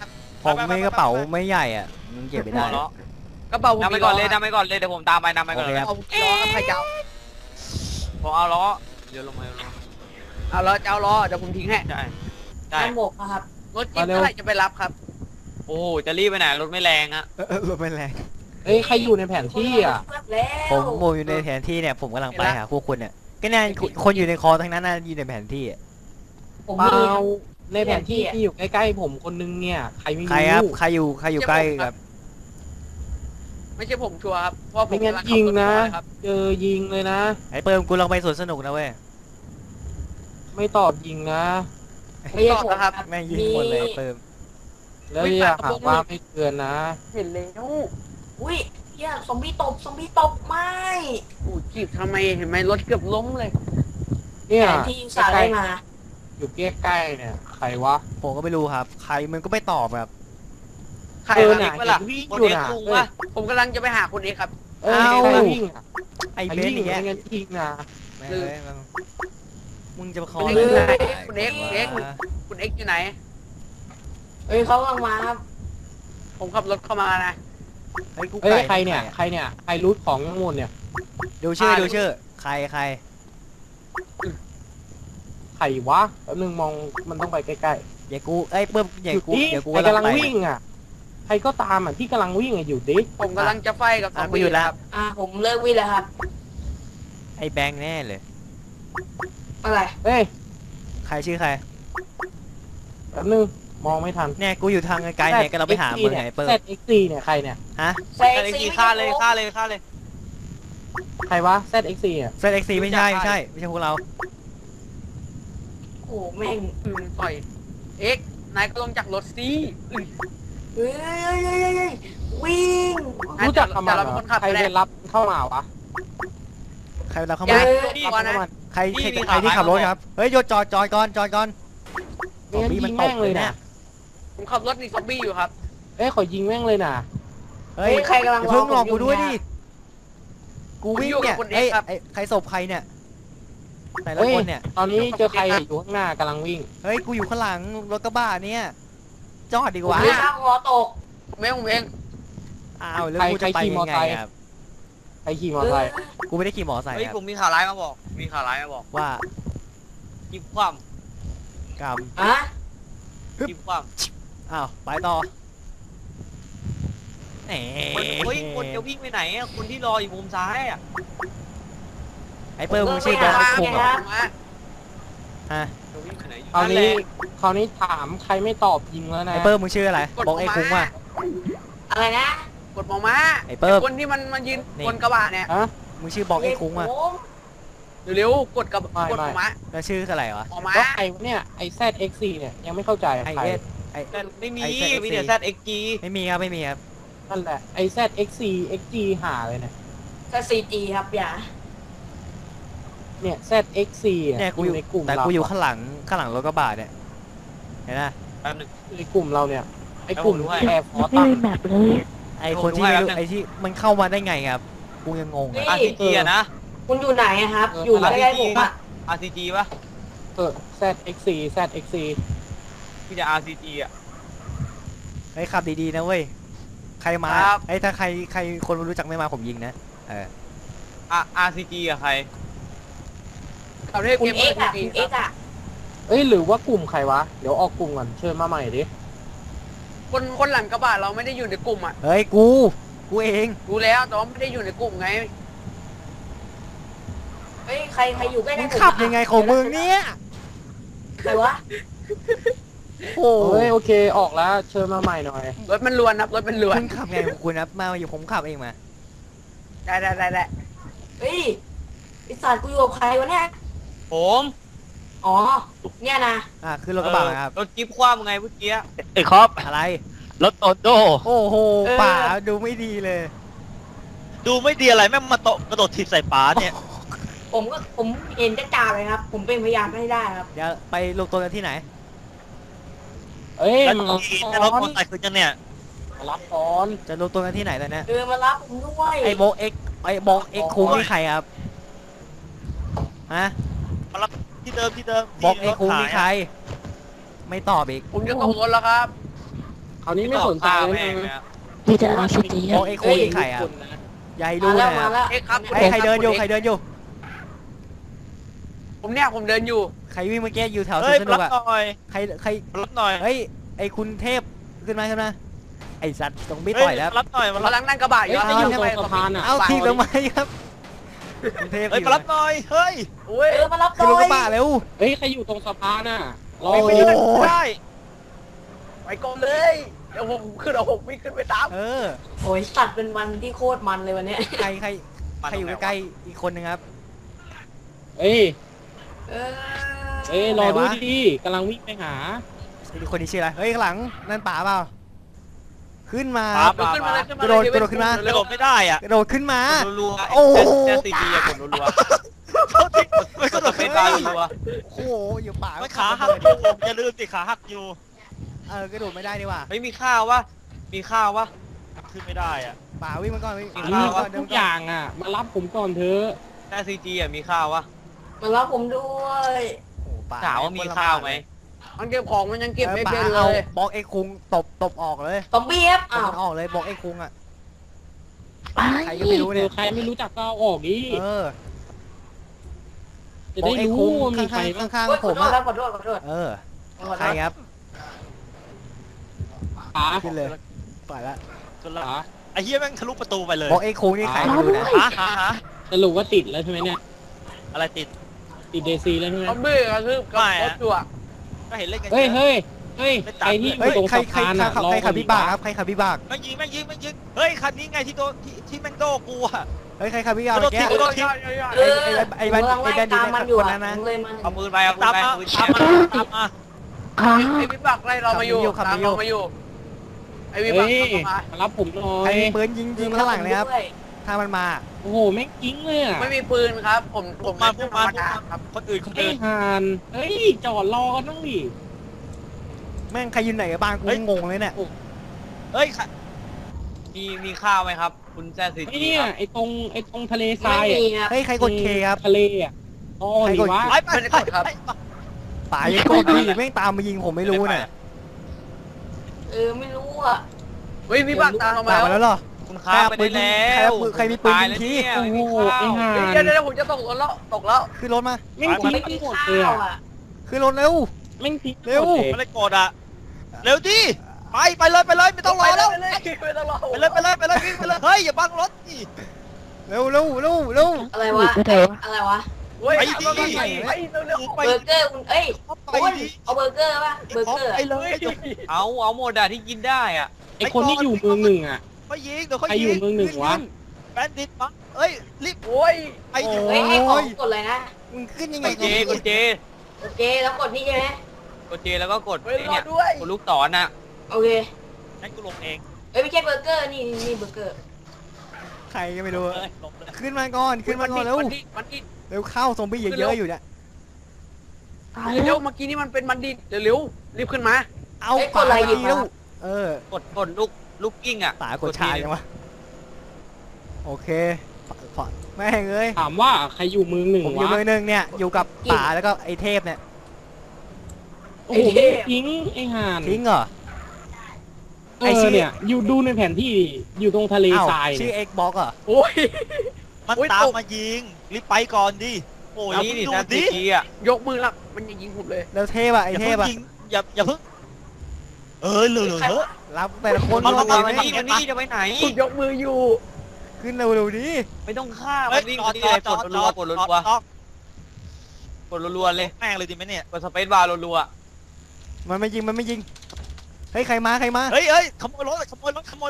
[SPEAKER 3] ผมมีกระเป๋าไม่ใหญ่อ่ะมันเก็บไม่ได้
[SPEAKER 5] หัวเราะ
[SPEAKER 1] กระเป๋าผม
[SPEAKER 5] นำไปก่อนเลยนำไปก่อนเลยเดี๋ยวผมตามไปนำไปก่อนเลย
[SPEAKER 3] โอเคครับ
[SPEAKER 1] เอาล้อกับใครจะเอา
[SPEAKER 5] ผมเอาล้อเดี๋ยวลงมา
[SPEAKER 1] เอาล้อจะเอาล้อเดี๋ยวผมทิ้งให้
[SPEAKER 5] ใช่ใช่
[SPEAKER 2] ด้านบกนะครับ
[SPEAKER 1] รถจิ๊บเมื่อไหร่จะไปรับครับ
[SPEAKER 5] โอ้โหจะรีบไปไหนรถไม่แรงอะ
[SPEAKER 3] รถไม่แรง
[SPEAKER 7] เอ้ยใครอยู่ในแผนที่อ่ะ
[SPEAKER 2] แล้ว
[SPEAKER 3] ผมอยู่ในแผนที่เนี่ยผมกำลังไปหาพวกคุณเนี่ยก็เนี่ยคนอยู่ในคอทั้งนั้นน่ะอยู่ในแผนที่อะ
[SPEAKER 2] ผม
[SPEAKER 7] เป
[SPEAKER 2] มี
[SPEAKER 7] ล่าในแผนที่ที่อยู่ใกล้ๆผมคนนึงเนี่ยใครไม่
[SPEAKER 3] ใครครับ
[SPEAKER 7] รู้
[SPEAKER 3] ใครอยู่ใกล้ครับ
[SPEAKER 1] ไม่ใช่ผมชัวร์ครับเพราะผม
[SPEAKER 7] ไม่งั้น
[SPEAKER 1] กำลั
[SPEAKER 7] ยิง
[SPEAKER 1] ขับรถ
[SPEAKER 7] นะ
[SPEAKER 1] มาครับ
[SPEAKER 7] เจอยิงเลยนะ
[SPEAKER 3] ไอ้เปิมกูลองไปสวนสนุกนะเว้ย
[SPEAKER 7] ไม่ตอบยิงนะ
[SPEAKER 2] ไม่ใช่ผมครับ
[SPEAKER 3] แม่งยิงหมดเลยไอ้เปิม
[SPEAKER 7] แล้วอย่าหาว่าไม่เตือนนะ
[SPEAKER 1] เห็นแล้ว
[SPEAKER 2] อุ้ยเฮียซอมบี้ตบไม่
[SPEAKER 1] อู้จีบทำไมเห็นไหมรถเกือบล้มเลย
[SPEAKER 7] เนี่ย
[SPEAKER 2] แผนที่สาได้มา
[SPEAKER 7] อยู่ใกล้ๆเนี่ยใครวะ
[SPEAKER 3] ผมก็ไม่รู้ครับ ใครมันก็ไม่ตอบครับ
[SPEAKER 1] ใคร
[SPEAKER 7] เออ
[SPEAKER 1] ครับ
[SPEAKER 7] น่ะ
[SPEAKER 5] เอกเปล่า
[SPEAKER 7] เห็นวิ่ง
[SPEAKER 5] คน
[SPEAKER 7] อยู่
[SPEAKER 5] เอก
[SPEAKER 7] น่ะ
[SPEAKER 5] ลุง
[SPEAKER 7] เอ้
[SPEAKER 5] วะ
[SPEAKER 7] ย
[SPEAKER 1] ผมกำลังจะไปหาคนนี้ครับ
[SPEAKER 7] เอ้ย
[SPEAKER 3] เอ้า
[SPEAKER 7] ใครวิ่งอ่ะ
[SPEAKER 3] ไอ้
[SPEAKER 7] ใคร
[SPEAKER 3] เบน
[SPEAKER 7] วิ่ง
[SPEAKER 3] อย่างเงี้ย
[SPEAKER 7] ไม่งั้นยิงนะ
[SPEAKER 3] แม่งเอ้ยมึงจะมาคอ
[SPEAKER 1] คุณ
[SPEAKER 3] อะไร
[SPEAKER 1] เอ็กซ์คุณเอ็กซ์คุณเอ็กซ์ คุณเอ็กซ์อยู่ไหน
[SPEAKER 2] เอ้ยเขากำลังมาครับ
[SPEAKER 1] ผมขับรถเข้ามานะ
[SPEAKER 3] ไอ้กู
[SPEAKER 7] เอ้ย
[SPEAKER 3] ไก่
[SPEAKER 7] ใครเนี่ยใครเนี่ยใครรูทของทั้งหมดเนี่ย
[SPEAKER 3] ดูชื่อใคร
[SPEAKER 7] ใครวะแป๊บนึงมองมันต้องไปใกล้
[SPEAKER 3] อย่ากูไอ้เปิ้ม
[SPEAKER 7] ๆ
[SPEAKER 3] อย่า
[SPEAKER 7] อยู่
[SPEAKER 3] กู
[SPEAKER 7] ดิ
[SPEAKER 3] อย่ากู
[SPEAKER 7] ใครกำลัง
[SPEAKER 3] ไป
[SPEAKER 7] วิ่งอ่ะใครก็ตามอ่ะที่กำลังวิ่งอ่ะอยู่ดิ
[SPEAKER 1] ผมกำลังจะไฟกับซอม
[SPEAKER 3] กูหยุ
[SPEAKER 1] บี้
[SPEAKER 3] ดแล้ว
[SPEAKER 1] ครับ
[SPEAKER 2] ผมเลิกวิ่งแล้วครับ
[SPEAKER 3] ไอ้แบงค์แน่เลย
[SPEAKER 2] อะไร
[SPEAKER 7] เอ้ย
[SPEAKER 3] ใครชื่อใคร
[SPEAKER 7] แป๊บนึงมองไม่ทัน
[SPEAKER 3] เนี่ยกูอยู่ทางไกลๆเนี่ยก็เราไปหามึงไงเปิ้ม
[SPEAKER 7] ZXC เนี่ยใครเนี่ย
[SPEAKER 3] ฮะ
[SPEAKER 2] เซ็
[SPEAKER 5] แต่
[SPEAKER 2] ก
[SPEAKER 5] ไอ้
[SPEAKER 2] ซี่
[SPEAKER 5] ขี่ฆ่าเลยฆ่าเลยฆ่าเลย
[SPEAKER 7] ใครวะ ZXC อ่ะ
[SPEAKER 3] ZXC ไม่ใช่ไม่ใช่พวกเรา
[SPEAKER 2] โอ้แม่ง
[SPEAKER 1] ปล่อย เอ็กซ์นายก็ลงจากรถสิอืม
[SPEAKER 2] เฮ้ยวิ่ง
[SPEAKER 7] รู้จักทำไม
[SPEAKER 1] แต่
[SPEAKER 7] เหร
[SPEAKER 1] เราเป็น
[SPEAKER 7] อ
[SPEAKER 1] คนขับ
[SPEAKER 7] ใคร
[SPEAKER 1] ไป
[SPEAKER 7] ไป
[SPEAKER 1] ได้
[SPEAKER 7] รับเข้ามาวะ
[SPEAKER 3] ใครเราเข้า
[SPEAKER 1] อย่า
[SPEAKER 3] มา
[SPEAKER 1] ให้พี่ก่อนนะ
[SPEAKER 3] ใครที่ขับรถครับเฮ้ยหยุดจอดก่อน
[SPEAKER 7] ไม่งั้นยิงแม่งเลยนะ
[SPEAKER 1] ผมขับรถหนีซอมบี้อยู่ครับ
[SPEAKER 7] เอ้ยขอยิงแม่งเลยนะ
[SPEAKER 3] เฮ้ย
[SPEAKER 2] ใครกำลัง
[SPEAKER 3] อย่าเพิ่งหลอกกูด้วยดิกูวิ่ง
[SPEAKER 1] ผมอยู่กั
[SPEAKER 3] เนี่
[SPEAKER 1] บ
[SPEAKER 3] ย
[SPEAKER 1] คุณเอ็กซ์ครับ
[SPEAKER 3] ไอ้ใครศพใครเนี่ยแต่ละ
[SPEAKER 7] เฮ้ย
[SPEAKER 3] คนเนี่ย
[SPEAKER 7] ตอนนี้เจอใครอยู่ข้างหน้ากำลังวิ่ง
[SPEAKER 3] เฮ้ยกูอยู่ข้างหลังรถกระบะเนี่ยจอดดีกว่า
[SPEAKER 2] ผมข้างหัวตก
[SPEAKER 1] ผมเอง
[SPEAKER 3] อ้าวแล้วกูจะไปยังไงครับ
[SPEAKER 7] ใครขี่มอเตอร์ไซค์
[SPEAKER 3] กูไม่ได้ขี่มอไซค์
[SPEAKER 5] เฮ้ย
[SPEAKER 3] ครับ
[SPEAKER 5] ผมมีข่าวร้ายมาบอกมีข่าวร้ายมาบอก
[SPEAKER 3] ว่า
[SPEAKER 5] ยิบความ
[SPEAKER 3] กรรม
[SPEAKER 2] อะ
[SPEAKER 5] ยิบความ
[SPEAKER 3] อ้าวไปต่อเอ๋
[SPEAKER 5] เฮ้ยคนจะวิ่งไปไหนอะคนที่รออยู่มุมซ้ายอะ
[SPEAKER 3] ไอ้เปิ้ลมึงชื่อแบงค์ไอ้คุงเหรอ
[SPEAKER 1] มา
[SPEAKER 3] ฮะ
[SPEAKER 5] จะวิ่งไปไหนอยู่
[SPEAKER 7] คราว
[SPEAKER 5] นั่นแห
[SPEAKER 7] นี้
[SPEAKER 5] ละ
[SPEAKER 7] คราวนี้ถามใครไม่ตอบยิงแล้วนะ
[SPEAKER 3] ไอ้เปิ้ลมึงชื่ออะไรบอกไอ้คุงว่า
[SPEAKER 2] อะไรนะ
[SPEAKER 1] กดหมอมา
[SPEAKER 3] ไอ้เปิ้ล
[SPEAKER 1] คนที่มันยืน
[SPEAKER 3] นี่
[SPEAKER 1] บนกระบะเนี่ย
[SPEAKER 7] ฮะ
[SPEAKER 3] มึงชื่อบอกไอ้คุงว่ะ
[SPEAKER 2] ผม
[SPEAKER 1] เร็วๆกดกับ
[SPEAKER 7] ไม่
[SPEAKER 1] กดหมอมา
[SPEAKER 3] แล้วชื่ออะไรวะ
[SPEAKER 1] หมอมา
[SPEAKER 7] ก็ใครวะเนี่ยไอ้ ZXC เนี่ยยังไม่เข้าใจ
[SPEAKER 3] ไอ
[SPEAKER 7] ใคร
[SPEAKER 3] เอสไอ
[SPEAKER 5] แต่ไม่มี
[SPEAKER 3] ไอ้ ZXC
[SPEAKER 5] มีแต่ ZXG
[SPEAKER 3] ไม่มีครับไม่มีครับ
[SPEAKER 7] นั่นแหละไอ้ ZXC XG หาเลยเนี่ย
[SPEAKER 2] ถ้าซีจีครับอย่า
[SPEAKER 7] เนี่ย ZXC อ่ะ
[SPEAKER 3] เนี่ยกูอยู่
[SPEAKER 7] ในกลุ่ม
[SPEAKER 3] แต่
[SPEAKER 7] เรา
[SPEAKER 3] กูอยู่ข้างหลังรถกระบะเนี่ยเห็นไหม
[SPEAKER 5] แป๊บหนึง
[SPEAKER 7] ในกลุ่มเราเนี่ยไอ้กลุ่ม
[SPEAKER 5] เอาดูให้
[SPEAKER 7] แอร์ฟอร์
[SPEAKER 6] ไม่
[SPEAKER 7] ตั้ง
[SPEAKER 6] เลยแบบเลย
[SPEAKER 3] ไอคนที่ไม่รู้
[SPEAKER 5] ดูให้
[SPEAKER 3] ไอที่มันเข้ามาได้ไงครับกูยังงงอะ
[SPEAKER 5] RCG อะนะ
[SPEAKER 2] คุณอยู่ไหนอะครับ อยู่ใกล้ๆผมอะ
[SPEAKER 5] RCG ปะ
[SPEAKER 7] ZXC ZXC
[SPEAKER 5] มีแต่ RCG อะ
[SPEAKER 3] ไอขับดีๆนะเว้ยใครมา
[SPEAKER 1] ครับ
[SPEAKER 3] ไอถ้าใครคนไม่รู้จักไม่มาผมยิงนะเออ
[SPEAKER 5] RCG อะใคร
[SPEAKER 1] เอาเทพ
[SPEAKER 2] คุ
[SPEAKER 1] เก
[SPEAKER 2] ณ
[SPEAKER 1] มเม
[SPEAKER 2] เอ็
[SPEAKER 1] อก ร์
[SPEAKER 2] ซ์อะ
[SPEAKER 1] จริ
[SPEAKER 2] คุ
[SPEAKER 1] ง
[SPEAKER 2] ณเอ็กซ์อะ
[SPEAKER 7] เอ้ยหรือว่ากลุ่มใครวะเดี๋ยวออกกลุ่มก่อนเชิญมาใหม่ดิ
[SPEAKER 1] คนหลังกระบะเราไม่ได้อยู่ในกลุ่มอ่ะ
[SPEAKER 3] เฮ้ยกูเอง
[SPEAKER 1] รู้แล้วแต่ว่าไม่ได้อยู่ในกลุ่มไง
[SPEAKER 2] เฮ้ยใครอยู่ใกล้
[SPEAKER 3] มึง
[SPEAKER 2] ๆผม
[SPEAKER 3] ขับยังไงของมึงเนี่ย
[SPEAKER 2] ใครวะ
[SPEAKER 3] โอ้
[SPEAKER 7] เฮ้ยโอเคออกแล้วเชิญมาใหม่หน่อย
[SPEAKER 1] รถมันลวนครับรถมันลวน
[SPEAKER 3] คุณขับไงของคุณนะมาอยู่ผมขับเองมา
[SPEAKER 1] ได้
[SPEAKER 2] เฮ้ยไอสัตว์กูอยู่กับใครวะเนี่ย
[SPEAKER 5] ผม
[SPEAKER 2] อ๋อเนี่ยนะ
[SPEAKER 3] ขึ้นรถกระบะมาครับ
[SPEAKER 5] รถจิ๊บคว้ามึงไงเมื่อกี้
[SPEAKER 4] ไอ้ครับ
[SPEAKER 3] อะไร
[SPEAKER 4] รถโตโต้
[SPEAKER 3] โอ้โหป่าดูไม่ดีเลย
[SPEAKER 4] ดูไม่ดีอะไรแม่งมาโตะกระโดดถีบใส่ป๋าเนี่ย
[SPEAKER 2] ผมเห็นจ่าๆเลยครับ ผมเป็นพยานให้ได้ครับ
[SPEAKER 3] เดี๋ยวไปลงตัวกันที่ไหน
[SPEAKER 7] เอ้ย
[SPEAKER 4] แล้ว
[SPEAKER 7] มา
[SPEAKER 4] ที่รถมอเตอร์ไซค์คือยังเนี่ย
[SPEAKER 7] รับก่อน
[SPEAKER 3] จะลงตัวกันที่ไหนตอนเนี้ย
[SPEAKER 2] มารับผมด้วย
[SPEAKER 3] ไอ้โบกเอ็กคุ้งนี่ใครครับฮะ
[SPEAKER 4] มารับที่เดิมที่
[SPEAKER 3] บอกเอ็กคุ้ง
[SPEAKER 4] รถ
[SPEAKER 3] นี่
[SPEAKER 4] หาย
[SPEAKER 3] ใคร ไม่ตอบอีก
[SPEAKER 1] ผมจะตกรถแล้วครับ
[SPEAKER 4] ใ
[SPEAKER 7] คราวนี้ไม่สนใจแล้ว
[SPEAKER 5] แม่ง
[SPEAKER 7] นะ
[SPEAKER 5] นะ
[SPEAKER 6] มีแต่อาซิตี
[SPEAKER 3] บอกไอ้โค้งไข่อะอย่าให้รู้
[SPEAKER 2] มาแล้ว
[SPEAKER 3] นะ
[SPEAKER 2] มาแล้ว
[SPEAKER 1] เอ็กครับ
[SPEAKER 3] ไอ้ใครเดินอยู่ใครเดินอยู่
[SPEAKER 1] ผมเนี่ยผมเดินอยู่
[SPEAKER 3] ใครวิ่งเมื่อกี้อยู่แถว
[SPEAKER 4] เฮ้ย
[SPEAKER 3] ส
[SPEAKER 4] มา
[SPEAKER 3] นุ
[SPEAKER 4] รั
[SPEAKER 3] ก
[SPEAKER 4] บ
[SPEAKER 3] อะ
[SPEAKER 4] หน่อย
[SPEAKER 3] ใคร
[SPEAKER 4] มารับหน่อย
[SPEAKER 3] เฮ้ยไอ้คุณเทพขึ้นมาไอ้สัตว์ต้องไม่
[SPEAKER 4] เฮ้
[SPEAKER 3] ต่อยแล้ว
[SPEAKER 4] มารับหน่อยมา
[SPEAKER 1] ผม
[SPEAKER 4] รับ
[SPEAKER 1] กำลังนั่งกระบะอ
[SPEAKER 7] เฮ้
[SPEAKER 1] ยู่
[SPEAKER 7] ย
[SPEAKER 1] ค
[SPEAKER 7] ใคร
[SPEAKER 1] รับ
[SPEAKER 7] อยู่ตรงสะพานอ่ะ
[SPEAKER 3] เอาทีบทำไมครับคุณเทพ
[SPEAKER 4] เฮ้ยมารับหน่อยเฮ้ย
[SPEAKER 1] โอ้ย
[SPEAKER 2] มารับห
[SPEAKER 3] ขึ้น
[SPEAKER 2] น่
[SPEAKER 3] รถ
[SPEAKER 2] อก
[SPEAKER 3] ระ
[SPEAKER 2] ย
[SPEAKER 3] บะเร็ว
[SPEAKER 7] เฮ้ยใครอยู่ตรงสะพานอ่ะรอ
[SPEAKER 4] ไม่
[SPEAKER 3] โอ้
[SPEAKER 4] ได้
[SPEAKER 3] โห
[SPEAKER 4] ได้
[SPEAKER 1] ไปก่อนเลยเดี๋ยวผมขึ้นเอาผมวิ่งขึ้นไปตาม
[SPEAKER 3] เออ
[SPEAKER 2] โอ้ยสัตว์เป็นวันที่โคตรมันเลยวันเนี้ย
[SPEAKER 3] ใครอยู่ใกล้ๆอีกคนนึงครับ
[SPEAKER 7] เอ้ย
[SPEAKER 2] เออ
[SPEAKER 7] เอ้ยรอดูดิกำลังวิ่งไปหา
[SPEAKER 3] ไอ้คนนี้ชื่ออะไรเฮ้ยข้างหลังนั่นป๋าเปล่าขึ้นมา
[SPEAKER 4] ป๋า
[SPEAKER 1] ขึ้นมาเลยขึ้นมา
[SPEAKER 3] กระโดดขึ้นมา
[SPEAKER 4] กระโดดไม่ได้อ่ะ
[SPEAKER 3] กระโดดขึ้นมา
[SPEAKER 5] รัวๆ
[SPEAKER 3] โอ้โห
[SPEAKER 5] แค่ซีดีอะกดรัว
[SPEAKER 4] ไม่
[SPEAKER 5] ๆ
[SPEAKER 4] กระโดด
[SPEAKER 5] เป็
[SPEAKER 4] ไม่
[SPEAKER 5] น
[SPEAKER 4] ได้
[SPEAKER 5] บาร์รัว
[SPEAKER 3] โอ้โหอยู่ป่า
[SPEAKER 4] ไม่ขาหักอยู่อย่าลืมสิขาหักอยู่
[SPEAKER 3] กระโดดไม่ได้ดีกว่า
[SPEAKER 5] ๆไม่มีข้าววะมีข้าววะ
[SPEAKER 4] ขึ้นไม่ได้อ่ะ
[SPEAKER 3] ป่าวิ่งมาก่อนวิ่ง
[SPEAKER 5] กิน
[SPEAKER 7] มี
[SPEAKER 5] ข้าว
[SPEAKER 7] ทุกอย่างอ่ะ มารับผมก่อนเถอะ
[SPEAKER 5] แค่ซีจีอะมีข้าววะ
[SPEAKER 2] มารับผมด้วย
[SPEAKER 3] โอ้ป่า
[SPEAKER 5] ถามว่ามีข้าวไหม
[SPEAKER 1] มันเก็บของมันยังเก็บไม่
[SPEAKER 3] ป่า
[SPEAKER 1] เป็นเล
[SPEAKER 3] เอา
[SPEAKER 1] ย
[SPEAKER 3] บล็อกไอ้คุงตบออกเลย
[SPEAKER 2] ซอมบี้ครับ
[SPEAKER 3] ตบ
[SPEAKER 2] อ้าว
[SPEAKER 3] มันออกเลยบล็อกไอ้คุงอ่ะ
[SPEAKER 6] ไป
[SPEAKER 3] ใครก็ไม่รู้เนี่ย
[SPEAKER 7] ใครไม่รู้จักก็เอาออกดิ
[SPEAKER 3] เออ
[SPEAKER 7] จะได้รู้ว่ามีใครบ้าง
[SPEAKER 3] ข้าง
[SPEAKER 2] โอ๊ย
[SPEAKER 3] ๆ
[SPEAKER 2] ข
[SPEAKER 3] ผ
[SPEAKER 2] อ
[SPEAKER 3] ม
[SPEAKER 2] โทษ
[SPEAKER 3] อ่ะ
[SPEAKER 2] ครับขอโทษขอโทษ
[SPEAKER 3] เออ
[SPEAKER 2] ขอโทษ
[SPEAKER 3] ใครครับ
[SPEAKER 7] ป๋า
[SPEAKER 3] ขึ้นเลยไปละ
[SPEAKER 4] จนละ
[SPEAKER 7] ป๋า
[SPEAKER 4] ไอ้เหี้ยแม่งทะลุประตูไปเลย
[SPEAKER 3] บล็อกไอ้คุงนี่ใครไม่รู้นะ
[SPEAKER 4] หา
[SPEAKER 7] สรุปว่าติดแล้วใช่ไหมเนี่ย
[SPEAKER 4] อะไรติด
[SPEAKER 7] ติดเดซีแล้วใช่ไหม
[SPEAKER 1] ซอมบี้กระทืบกับรถอยู่อะ
[SPEAKER 4] ก็เห็นเล่นกัน
[SPEAKER 7] เฮ้ย
[SPEAKER 4] เยอะ
[SPEAKER 7] เฮ้ยเฮ้ยใครที่อ
[SPEAKER 3] เฮ้ย
[SPEAKER 7] ยู่ตรง
[SPEAKER 3] ใคร
[SPEAKER 7] สะพานอ่ะรอ
[SPEAKER 3] ใครขับ
[SPEAKER 7] ก่อน
[SPEAKER 3] วิ
[SPEAKER 7] ดิ
[SPEAKER 3] บากครับใครขับวิบาก
[SPEAKER 4] ไม่ยิงเฮ้ยคันนี้ไงที่โดนที่แม่งโดนกูอ่ะ
[SPEAKER 3] เฮ้ยใครขับวิบาก
[SPEAKER 4] กระโดด
[SPEAKER 3] แก
[SPEAKER 4] ทิ้ง
[SPEAKER 2] เออ
[SPEAKER 3] ไอ้แบน
[SPEAKER 2] กำลังไล่
[SPEAKER 3] ไอ้แบน
[SPEAKER 2] ตามมันอยู่
[SPEAKER 3] คน
[SPEAKER 2] อ่ะ
[SPEAKER 3] นั้นนะ
[SPEAKER 2] ผมเลยมัน
[SPEAKER 5] เอาปืนไปเอาปื
[SPEAKER 4] ตาน ม
[SPEAKER 5] ไป
[SPEAKER 4] มา
[SPEAKER 5] ปืน
[SPEAKER 4] ตามมาตามมา
[SPEAKER 6] ค่ะ
[SPEAKER 1] ไอ้วิบักไล่เรามาอยู่
[SPEAKER 3] ขับ
[SPEAKER 1] ตาม
[SPEAKER 3] ไม่อยู่
[SPEAKER 1] เรามาอยู่ไอ้วิบั
[SPEAKER 7] เฮ้
[SPEAKER 1] ก
[SPEAKER 7] ย
[SPEAKER 1] เข้ามา
[SPEAKER 7] มารับผมหน่อ
[SPEAKER 3] ใคร
[SPEAKER 7] ย
[SPEAKER 3] มีปืนยิงข้างหลังเลยครับ
[SPEAKER 2] ด้วย
[SPEAKER 3] ถ้ามันมา
[SPEAKER 7] โอ้โหแม่งกิ้งเลยอ่ะ
[SPEAKER 1] ไม่มีปืนครับ ผม
[SPEAKER 4] มา
[SPEAKER 1] เป็นธรรมดาครับ
[SPEAKER 4] คนอื่น
[SPEAKER 7] ไอ้ห่านเฮ้ยจอดรอกันต้องดิ
[SPEAKER 3] แม่งใครอยู่ไหนกับบ้านกูงงเลยเนี่ย
[SPEAKER 4] เฮ้ย
[SPEAKER 5] มีข้าวไหมครับ คุณแซ่ซี
[SPEAKER 7] ไอ้
[SPEAKER 5] จี
[SPEAKER 7] เนี่ย
[SPEAKER 5] ครับ
[SPEAKER 7] ไอ้ตรงทะเลทรา
[SPEAKER 2] ไม่
[SPEAKER 7] ย
[SPEAKER 2] มี
[SPEAKER 7] อ่ะ
[SPEAKER 2] ครับ
[SPEAKER 3] เฮ้ยใครกดเคครับ
[SPEAKER 7] ทะเลอ่ะอ๋อ
[SPEAKER 3] ใคร
[SPEAKER 7] นี่
[SPEAKER 3] กด
[SPEAKER 7] วะ
[SPEAKER 4] ไป
[SPEAKER 3] ป่ายังกดดีแม่งตามมายิงผมไม่รู้เนี่ย
[SPEAKER 2] ไม่รู้อ่ะ
[SPEAKER 1] เฮ้ยวิบักตามเรามา
[SPEAKER 3] ตามมา
[SPEAKER 1] แล้ว
[SPEAKER 3] แล้วเหรอ
[SPEAKER 5] คุณข้าวไปได้แล้ว
[SPEAKER 3] ใครมีปืน
[SPEAKER 5] ตาย
[SPEAKER 3] ยิง
[SPEAKER 5] แล้ว
[SPEAKER 3] ที
[SPEAKER 5] เนี่ย
[SPEAKER 7] โอ้
[SPEAKER 5] ไม่
[SPEAKER 7] โห
[SPEAKER 5] มีข้าว
[SPEAKER 7] ไอ้ห่า
[SPEAKER 1] เฮ้ย
[SPEAKER 7] น
[SPEAKER 1] เดี๋ยวผมจะตกรถแล้วตกแล้ว
[SPEAKER 3] ขึ้นรถมา
[SPEAKER 7] แม่งทิ้ง
[SPEAKER 2] ไม่
[SPEAKER 7] ไป
[SPEAKER 2] มี
[SPEAKER 7] หมด
[SPEAKER 2] ข้า
[SPEAKER 7] เลยอ่ะ
[SPEAKER 2] วอ่ะ
[SPEAKER 3] ขึ้นรถเร็ว
[SPEAKER 7] แม่งทิ้ง
[SPEAKER 3] เร็ว
[SPEAKER 7] หมดเลย
[SPEAKER 4] ไม่ได้โกรธอ่ะ เร็วดิไปเลยไม่ต้องรอแล้ว
[SPEAKER 1] ไปเลยไม่ต้องรอ
[SPEAKER 4] ไปเลยวิ่งไปเลยเฮ้ยอย่าบังรถดิ
[SPEAKER 3] เร็วเร็ว
[SPEAKER 2] อะไรวะ
[SPEAKER 6] ไปเถอะ
[SPEAKER 2] อะไรวะ
[SPEAKER 1] เฮ้ย
[SPEAKER 4] ไป
[SPEAKER 1] ไป
[SPEAKER 4] ดิ
[SPEAKER 1] ไปเร็ว
[SPEAKER 4] ไป
[SPEAKER 2] เบอร์เกอร์คุณเอ้ย
[SPEAKER 4] ไป
[SPEAKER 2] คุณ
[SPEAKER 4] ดิ
[SPEAKER 2] เอาเบอร์เกอร์ป่ะเบอร์เกอร์
[SPEAKER 4] ไปเลย
[SPEAKER 5] เอาหมดอะที่กินได้อ่ะ
[SPEAKER 7] ไอ้คนที่อยู่เมืองหนึ่งอ่ะ
[SPEAKER 4] ค่อยยิงเดี๋ยวค่อย
[SPEAKER 7] ใครอ
[SPEAKER 4] ยิ
[SPEAKER 7] ยู่
[SPEAKER 4] ง
[SPEAKER 7] เมืองหนึ่งวะ
[SPEAKER 4] แบนดิตมาเอ้ยรีบ
[SPEAKER 1] โอ้ย
[SPEAKER 4] ไปดิ
[SPEAKER 2] เฮ้ยให้ของกดเลยนะ
[SPEAKER 3] มึงขึ้นยังไง
[SPEAKER 5] กดเจ
[SPEAKER 2] โอเคแล้วกดนี่ใช่ไหม
[SPEAKER 5] กดเจแล้วก็กด
[SPEAKER 1] เฮ้ย
[SPEAKER 5] ไอ้
[SPEAKER 1] รอ
[SPEAKER 5] เนี่ย
[SPEAKER 1] ด้วย
[SPEAKER 5] กดลูกศรน่ะ
[SPEAKER 2] โอเค
[SPEAKER 4] งั้นกูลงเอง
[SPEAKER 2] ไม่ใช่เบอร์เกอร์นี่เบอร์เกอร์
[SPEAKER 3] ใครก็ไม่รู้
[SPEAKER 4] เลยลงเลย
[SPEAKER 3] ขึ้นมาก่อนเร็ว
[SPEAKER 1] มันดิ
[SPEAKER 3] เร็วเข้าซอมบี้เยอะๆอยู่เนี่ย
[SPEAKER 6] ตาย
[SPEAKER 1] เร็
[SPEAKER 6] แล้ว ว
[SPEAKER 1] เมื่อกี้นี่มันเป็นบัณฑิตเร็วรีบขึ้นมา
[SPEAKER 3] เอาป่าทีแล้วเออก
[SPEAKER 5] ดลูกกิ้งอ่ะ
[SPEAKER 3] ป่ากดชายยังวะโอเคแม่งเอ้ย
[SPEAKER 7] ถามว่าใครอยู่เมืองหนึ่ง
[SPEAKER 3] ผมอยู่
[SPEAKER 7] วะ
[SPEAKER 3] เมืองนึงเนี่ยอยู่กับป่าแล้วก็ไอ้เทพเนี่ย
[SPEAKER 7] โอ้โหไม่ทิ้งไอ้ห่าน
[SPEAKER 3] ทิ้งเหรอ
[SPEAKER 7] เออเนี่ยอยู่ดูในแผนที่อยู่ตรงทะเล
[SPEAKER 3] อ้าว
[SPEAKER 7] ทราย
[SPEAKER 3] ชื่อ
[SPEAKER 7] เนี่ย
[SPEAKER 3] Xbox เหรอ
[SPEAKER 1] โอ้ย
[SPEAKER 4] มัน
[SPEAKER 1] โอ้ย
[SPEAKER 4] ตาม
[SPEAKER 1] ตก
[SPEAKER 4] มายิงรีบไปก่อนดิโอ้ย
[SPEAKER 5] นี่
[SPEAKER 4] มึง
[SPEAKER 5] นี่
[SPEAKER 4] ดู
[SPEAKER 5] แซ่ซี
[SPEAKER 4] ดิ
[SPEAKER 5] จีอ่ะ
[SPEAKER 1] ยกมือละมันยังยิงผมเลย
[SPEAKER 3] แล้วเทพอะไอ้
[SPEAKER 4] อย่า
[SPEAKER 3] เท
[SPEAKER 4] เพิ่
[SPEAKER 3] พ
[SPEAKER 4] ง
[SPEAKER 3] อะ
[SPEAKER 4] ยิงอย่าเพิ่งเหลือเถอะ
[SPEAKER 3] รับแต่ละคน
[SPEAKER 4] มา
[SPEAKER 3] ลง
[SPEAKER 4] มา
[SPEAKER 3] ไป
[SPEAKER 5] วัน
[SPEAKER 3] ไหม
[SPEAKER 5] นี้วันนี้จะไปไหน
[SPEAKER 1] คุณยกมืออยู่
[SPEAKER 3] ขึ้นเร็วๆดิ
[SPEAKER 5] ไม่ต้องฆ่า
[SPEAKER 4] เฮ้
[SPEAKER 5] มั
[SPEAKER 4] ย
[SPEAKER 5] นวิ่ง
[SPEAKER 4] จอด
[SPEAKER 5] ที่
[SPEAKER 4] จอ
[SPEAKER 5] เล
[SPEAKER 4] ด
[SPEAKER 5] ย
[SPEAKER 4] จ
[SPEAKER 5] ก
[SPEAKER 4] อ
[SPEAKER 5] ด
[SPEAKER 4] ด
[SPEAKER 5] รัวๆกดรัว ๆกดรัวๆเลย
[SPEAKER 4] แม่งเลยดิไหมเนี่ย
[SPEAKER 5] กดสเปซบาร์รัว
[SPEAKER 3] มันไม่ยิงเฮ้ยใครมา
[SPEAKER 4] เฮ้ยขโมยรถแล้วโถไม่เคยขโมย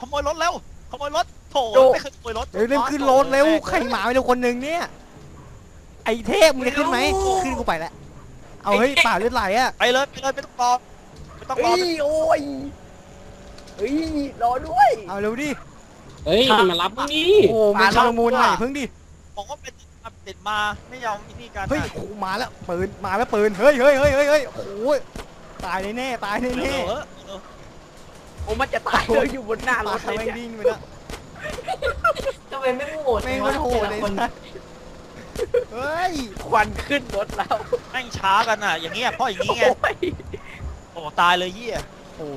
[SPEAKER 4] รถ
[SPEAKER 3] เร็วขึ้นรถเร็วใครมาไม่รู้คนหนึ่งเนี่ยไอ้เทพมึงจะขึ้นไหมขึ้นกูไปแล้วเอาเฮ้ยป่าเลือดไหลอะ
[SPEAKER 4] ไปเลยไม่ต้องรอ
[SPEAKER 1] เฮ้ยโอ้ยเฮ้ยรอด้วย
[SPEAKER 3] เอาเร็วดิ
[SPEAKER 7] เฮ้ยมารับมึงดิ
[SPEAKER 3] โอ้มันชลมุนหน่อยเพิ่งดิ
[SPEAKER 4] บอกว่าเป็นติดมาไม่ยอมที่นี่กัน
[SPEAKER 3] เฮ้ยโอ้มาแล้วปืนเฮ้ยโอ้ยตายแน่ตายแน่
[SPEAKER 1] โอ้มันจะตายเลยอยู่บนหน้าร
[SPEAKER 3] ป่า
[SPEAKER 1] ถเลย
[SPEAKER 3] แม่ง
[SPEAKER 1] เนี่ย
[SPEAKER 3] ดิ้งไปแล้ว
[SPEAKER 2] ทำไมไม่โหด
[SPEAKER 3] แม่งมันโหดเลย
[SPEAKER 2] คน
[SPEAKER 3] นะเฮ้ย
[SPEAKER 1] ควันขึ้นรถแล้ว
[SPEAKER 4] แม่งช้ากันอ่ะอย่างเงี้ยเพราะอย่างงี้ไง
[SPEAKER 1] โอ้ย
[SPEAKER 4] โอ้ตายเลยเหี้ย
[SPEAKER 3] โอ้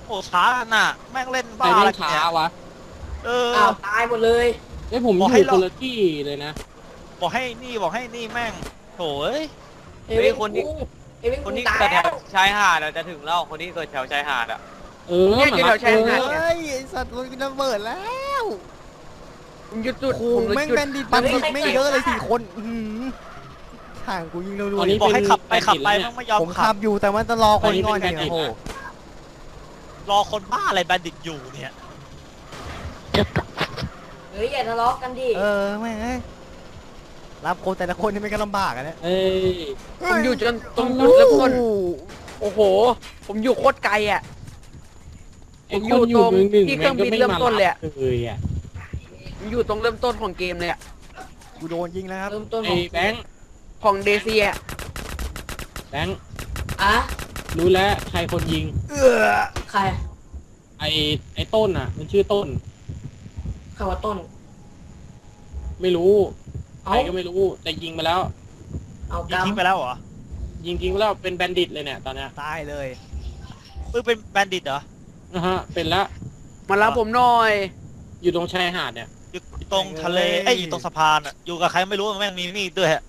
[SPEAKER 4] โอ้ช้าน่ะแม่งเล่น
[SPEAKER 7] ใคร
[SPEAKER 4] บ้าอะไร
[SPEAKER 7] เล่นช้า
[SPEAKER 4] เนี่ยว
[SPEAKER 7] ะ
[SPEAKER 4] เออ
[SPEAKER 2] อ้าวตายหมดเลย
[SPEAKER 7] ไอ้ยผม
[SPEAKER 4] บอก
[SPEAKER 7] อ
[SPEAKER 4] ให้
[SPEAKER 7] ยู่
[SPEAKER 4] เรา
[SPEAKER 7] คนละที่เลยนะ
[SPEAKER 4] บอกให้นี่แม่งโถ่เอ้ย
[SPEAKER 2] เอวินคนนี้เอวิน
[SPEAKER 5] ค
[SPEAKER 2] คุ
[SPEAKER 5] น
[SPEAKER 2] ณ
[SPEAKER 5] ที่
[SPEAKER 2] ตาย
[SPEAKER 5] เกิดแถ
[SPEAKER 2] แล้ว ว
[SPEAKER 5] ชายหาดอะจะถึงแล้วคนที่เกิดแถวชายหาดอะ
[SPEAKER 7] เออ
[SPEAKER 1] เนี่ยอยู่แถวชายหาด
[SPEAKER 7] เออ
[SPEAKER 3] เฮ้ยไอ้สัตว์มันระเบิดแล้ว
[SPEAKER 1] ผมหยุดจุด
[SPEAKER 3] โอ้
[SPEAKER 1] ผมหยุด
[SPEAKER 3] แม่ง
[SPEAKER 1] จุด
[SPEAKER 3] แบนดิตบันดิตไม่งเยอะเลย4 คนอื้อหือห่างกูยิงเร็ว
[SPEAKER 7] ตอนนี้
[SPEAKER 3] ๆ
[SPEAKER 4] บอกให้ขับไป
[SPEAKER 7] เป็น
[SPEAKER 4] ขับไป
[SPEAKER 7] แบนดิตแล้วเนี่ย
[SPEAKER 4] แม่งไม่ยอม
[SPEAKER 3] ผม
[SPEAKER 4] ขั
[SPEAKER 3] ขั
[SPEAKER 4] บบ
[SPEAKER 3] อยู่แต่มันจะรอคนงอน
[SPEAKER 7] ตอน
[SPEAKER 3] เนี่
[SPEAKER 7] นี้
[SPEAKER 3] ย
[SPEAKER 7] เป็น
[SPEAKER 3] โอ้โห
[SPEAKER 4] รอคนบ้าอะไรแบนดิตอยู่เนี่ย
[SPEAKER 6] จะตก
[SPEAKER 2] เฮ้ยอย่าทะเลาะกันดิ
[SPEAKER 3] แม่งเอ้ยรับคนแต่ละคนนี่ไม่ก็ลำบากอะเนี่ย
[SPEAKER 7] เอ้ย
[SPEAKER 1] ผมอยู่จนตรงจุดเริ่มต้นโอ้โห ผมอยู่โคตรไกลอ่ะ
[SPEAKER 7] ไอ้
[SPEAKER 1] ผม
[SPEAKER 7] คนอยู่
[SPEAKER 1] ตรง
[SPEAKER 7] เมืองหนึ่ง
[SPEAKER 1] ที่เครื่องบินเริ่มต้นเลยอะ
[SPEAKER 7] เลยอ่ะ
[SPEAKER 1] ผมอยู่ตรงเริ่มต้นของเกมเลยอ่ะ
[SPEAKER 3] กูโดนยิงแล้วครับ
[SPEAKER 2] เริ่มต้นข
[SPEAKER 7] ไอ้
[SPEAKER 2] อง
[SPEAKER 7] แบงค์
[SPEAKER 1] ของเดเซีย
[SPEAKER 7] แบงค์
[SPEAKER 2] อ่ะ
[SPEAKER 7] รู้แล้วใครคนยิง
[SPEAKER 2] ใคร
[SPEAKER 7] ไอ้ต้นอ่ะ มันชื่อต้น
[SPEAKER 2] ใครว่าต้น
[SPEAKER 7] ไม่รู้ใค
[SPEAKER 2] เอา
[SPEAKER 7] รก็ไม่รู้แต่ยิงมาแล้ว
[SPEAKER 2] เอา
[SPEAKER 4] ยิง
[SPEAKER 2] กำ
[SPEAKER 4] ทิ้งไปแล้วเหรอ
[SPEAKER 7] ยิงทิ้งไปแล้วเป็นแบนดิตเลยเนี่ยตอนเนี้ย
[SPEAKER 3] ตายเลย
[SPEAKER 4] เป็นแบนดิตเหรอ
[SPEAKER 7] นะฮะเป็นละ
[SPEAKER 1] มารับผมหน่อย
[SPEAKER 7] อยู่ตรงชายหาดเนี่ย
[SPEAKER 4] อยู่ตรงทะเลเอ้ยอยู่ตรงสะพานอ่ะอยู่กับใครไม่รู้แม่งมีมีดด้วยฮะ